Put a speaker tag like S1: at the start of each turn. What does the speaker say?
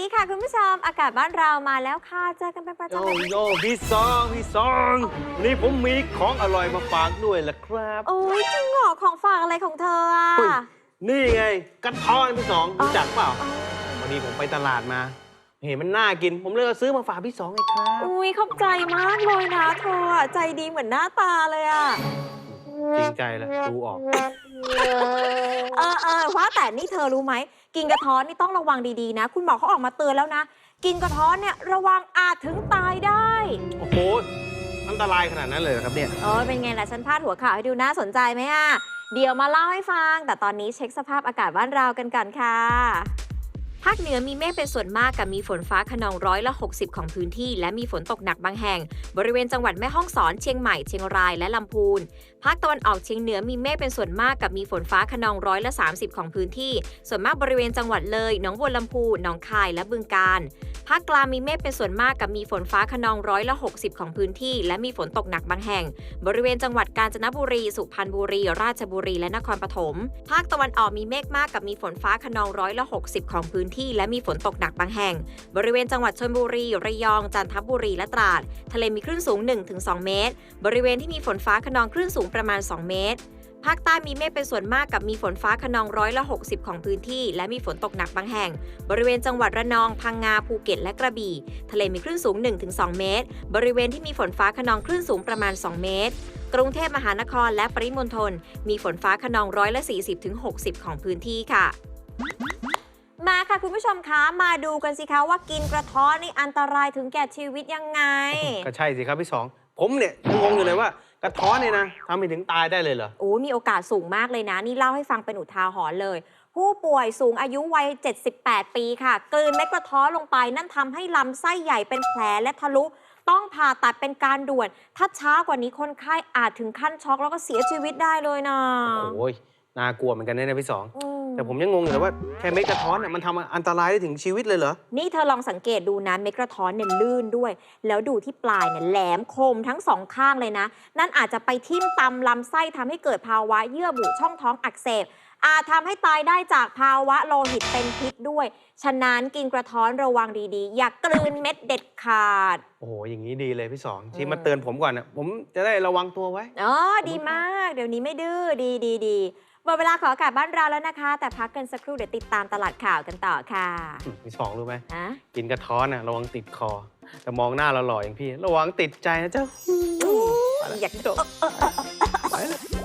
S1: ดีค่ะคุณผู้ชมอากาศบ้านเรามาแล้วค่ะเจอกันเป็นประจำเลย
S2: โยพี่ซองนี่ผมมีของอร่อยมาฝากด้วยล่ะครับ
S1: โอ้ยจริงเหรอของฝากอะไรของเธออ่ะ
S2: อุ๊ยนี่ไงกระท้อนพี่สองรู้จักเปล่า
S1: อ๋อ
S2: วันนี้ผมไปตลาดมา เห็นมันน่ากิน ผมเลยเอาซื้อมาฝากพี่สองไงครับ
S1: อุ้ยขอบใจมากเลยนะเธออะใจดีเหมือนหน้าตาเลยอ่ะ
S2: จริงใจแหละดูออก
S1: ว่าแต่นี่เธอรู้ไหมกินกระท้อนนี่ต้องระวังดีๆนะ คุณหมอเขาออกมาเตือนแล้วนะ กินกระท้อนเนี่ยระวังอาจถึงตายได้
S2: โอ้โหอันตรายขนาดนั้นเลยเหรอครับเนี่ย
S1: เป็นไงล่ะฉันพาดหัวข่าวให้ดูน่าสนใจไหมอ่ะเดี๋ยวมาเล่าให้ฟัง แต่ตอนนี้เช็คสภาพอากาศบ้านเรากันก่อนค่ะ ภาคเหนือมีเมฆเป็นส่วนมากกับมีฝนฟ้าคะนอง60%ของพื้นที่และมีฝนตกหนักบางแห่งบริเวณจังหวัดแม่ฮ่องสอนเชียงใหม่เชียงรายและลำพูนภาคตะวันออกเฉียงเหนือมีเมฆเป็นส่วนมากกับมีฝนฟ้าคะนอง30%ของพื้นที่ส่วนมากบริเวณจังหวัดเลยหนองบัวลำพูหนองคายและบึงกาฬภาคกลางมีเมฆเป็นส่วนมากกับมีฝนฟ้าคะนอง60%ของพื้นที่และมีฝนตกหนักบางแห่งบริเวณจังหวัดกาญจนบุรีสุพรรณบุรีราชบุรีและนครปฐมภาคตะวันออกมีเมฆมากกับมีฝนฟ้าคะนอง60%ของพื้นที่และมีฝนตกหนักบางแห่งบริเวณจังหวัดชลบุรีระยองจันทบุรีและตราดทะเลมีคลื่นสูง 1-2 เมตรบริเวณที่มีฝนฟ้าคะนองคลื่นสูงประมาณ2เมตรภาคใต้มีเมฆเป็นส่วนมากกับมีฝนฟ้าคะนอง60%ของพื้นที่และมีฝนตกหนักบางแห่งบริเวณจังหวัดระนองพังงาภูเก็ตและกระบี่ทะเลมีคลื่นสูง 1-2 เมตรบริเวณที่มีฝนฟ้าคะนองคลื่นสูงประมาณ2เมตรกรุงเทพมหานครและปริมณฑลมีฝนฟ้าคะนอง40-60%ของพื้นที่ค่ะมาค่ะคุณผู้ชมคะมาดูกันสิคะว่ากินกระท้อนนี่อันตรายถึงแก่ชีวิตยังไง
S2: ก็ใช่สิครับพี่สองผมเนี่ยยังงงอยู่เลยว่ากระท้อนเนี่ยนะทำให้ถึงตายได้เลยเหรอ
S1: มีโอกาสสูงมากเลยนะ นี่เล่าให้ฟังเป็นอุทาหรณ์เลย ผู้ป่วยสูงอายุวัย 78 ปีค่ะ กลืนเม็ดกระท้อนลงไป นั่นทำให้ลำไส้ใหญ่เป็นแผลและทะลุ ต้องผ่าตัดเป็นการด่วน ถ้าช้ากว่านี้คนไข้อาจถึงขั้นช็อกแล้วก็เสียชีวิตได้เลยนะ
S2: โอ้ยน่ากลัวเหมือนกันนะพี่สอง
S1: อืม
S2: แต่ผมยังงงอยู่เลยว่าแค่เม็ดกระท้อนเนี่ยมันทำอันตรายได้ถึงชีวิตเลยเหรอ
S1: นี่เธอลองสังเกตดูนะเม็ดกระท้อนเนี่ยลื่นด้วย แล้วดูที่ปลายเนี่ยแหลมคมทั้งสองข้างเลยนะ นั่นอาจจะไปทิ่มตำลำไส้ทำให้เกิดภาวะเยื่อบุช่องท้องอักเสบอาจทำให้ตายได้จากภาวะโลหิตเป็นพิษด้วย ฉะนั้นกินกระท้อนระวังดีๆ อย่ากลืนเม็ดเด็ดขาด
S2: โอ้โหอย่างนี้ดีเลยพี่สองที่มาเตือนผมก่อนนะผมจะได้ระวังตัวไว้
S1: ดีมาก เดี๋ยวนี้ไม่ดื้อดีหมดเวลาของอากาศบ้านเราแล้วนะคะ แต่พักกันสักครู่เดี๋ยวติดตามตลาดข่าวกันต่อค่ะ
S2: พี่สองรู้ไหม
S1: อะ
S2: กินกระท้อนน่ะระวังติดคอ แต่มองหน้าเราหล่ออย่างพี่ ระวังติดใจนะเจ้า
S1: อยาก
S2: ไปแล้ว